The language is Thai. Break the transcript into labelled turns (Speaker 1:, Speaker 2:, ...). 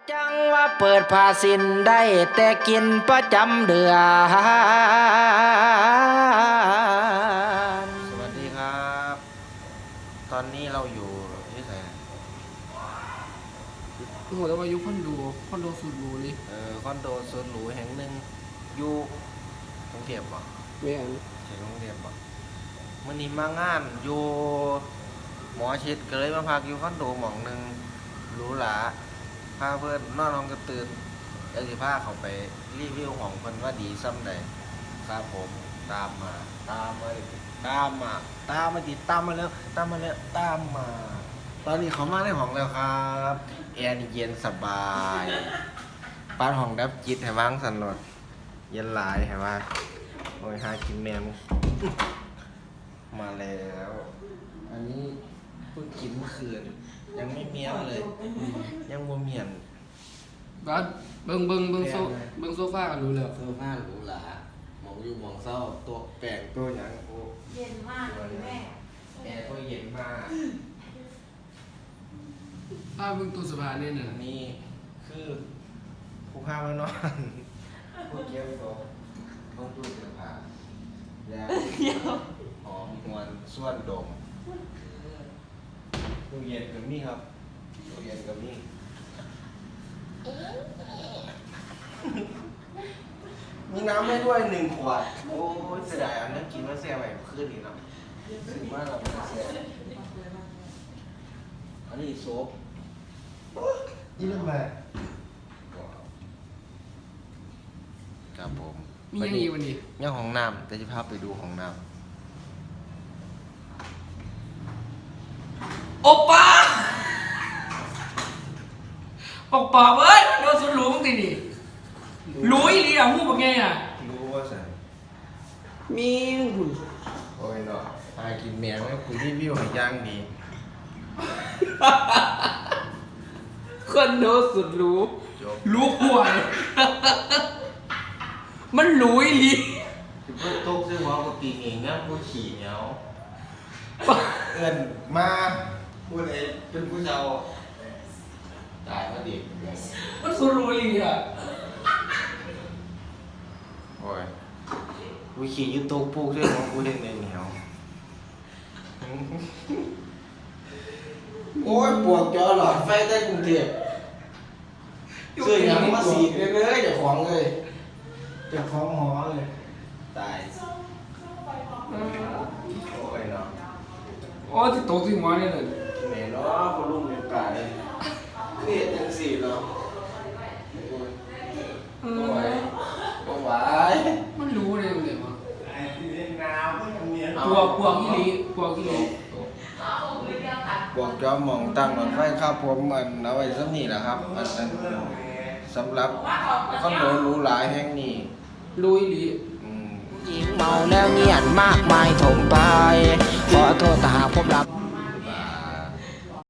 Speaker 1: จังว่าเปิดผ้าสินได้แต่กินประจำเดือนสวัสดีครับ ตอนนี้เราอยู่ที่ไหน
Speaker 2: โอ้โหแล้วมายุคคอนโดสุดหรูเลย
Speaker 1: คอนโดสุดหรูแห่งหนึ่งอยู่กรุงเทพบ่
Speaker 2: ไม่อัน
Speaker 1: ใช่กรุงเทพบ่มื้อนี้มางานอยู่หมอชิดก็เลยมาพักอยู่คอนโดหม่องหนึ่งหรูหราพาเพื่อนนอนห้องกระตื่นแล้วสิพาเขาไปรีวิวของเพิ่นว่าดีซ้ำใดครับผมตามมาติดตามมาตอนนี้เขามาในห้องแล้วครับแอร์นี่เย็นสบายปานห้องดับจิตให้วางสั่นโลดเย็นหลายให้ว่าโอ้ยหากินแมวมาแล้ว อันนี้เพิ่งกินเมื่อคืนยังไม่เมียนเลยยังบ่เมียน
Speaker 2: บ้านเบิ่งโซฟากันรู้แล้ว
Speaker 1: โซฟาหรูหรามองอยู่มองเศร้าตัวแปลกตัวหยังโอ้
Speaker 3: เย็นมากเลยแม่
Speaker 1: แอร์ตัวเย็นมาก
Speaker 2: เบิ่งตู้เสื้อผ้าเนี่ยน่ะ
Speaker 1: นี่คือผู้พามานอนผู้เกี่ยวตัวต้องตู้เสื้อผ้าแล้วหอมหวนส่วนดมตู้เย็นกับนี่ครับตู้เย็นกับนี่มีน้ำให้ด้วย1 ขวดโอ้ยเสียดายอันนั้นกินว่าแซ่บไปขึ้นอีกเนาะถึงว่าเราไม่แซ่บอันนี้โซฟยี่ห้ออะไรครับผม
Speaker 2: มียังอีกวันนี้
Speaker 1: ยังของน้ำแต่จะพาไปดูของน้ำ
Speaker 2: โอป้าบอกปอบเอ้ยโดนสุดหรูมึงติดิรู้อีหลีอ่ะฮู้บ่ไงอ่ะ
Speaker 1: รู้ว่าสัน
Speaker 2: มีหุ่น
Speaker 1: โอ้ยเนาะพากินแมวแล้วคุยรีวิวให้ย่างดี
Speaker 2: คอนโดสุดหรูรู้ป่วยมันหรูอีหลี
Speaker 1: คือเพื่อโต๊ะซื้อหัวกับปีเองนะผู้ขี่เหนียวเอิ้นมาพูดเองเป็นผู้เจ้าตายมาดิ
Speaker 2: มันสุดหรูอีหลีอ่ะ
Speaker 1: โอ้ยกูขี่ยูทูบปลูกด้วยของกูเล่นในเหนียวโอ้ยปวกจอหลอดไฟใต้กรุงเทพซื้อหยังมาสีเลยเจ้าของเลยเจ้าของหอเลยตายโอ้ยเนาะ
Speaker 2: โอ้ที่โตที่หัวเนี่ยเลย
Speaker 1: แม่เนาะคนลุงเป็นตายเครียดจังสิเนาะโอ้ยบ่ไหว
Speaker 2: มันรู้เลยมันเดี๋ยวมาปวกอีหลี
Speaker 1: บวกจอมมองตั้งรถไฟครับผมมันเอาไว้ซ้ำนี่แหละครับอันนั้นสำหรับคอนโดหรูหราแห่งนี้
Speaker 2: รู้อีหลี
Speaker 1: หญิงเมาแล้วเงียนมากมายถมไปขอโทษถ้าหากผมรับ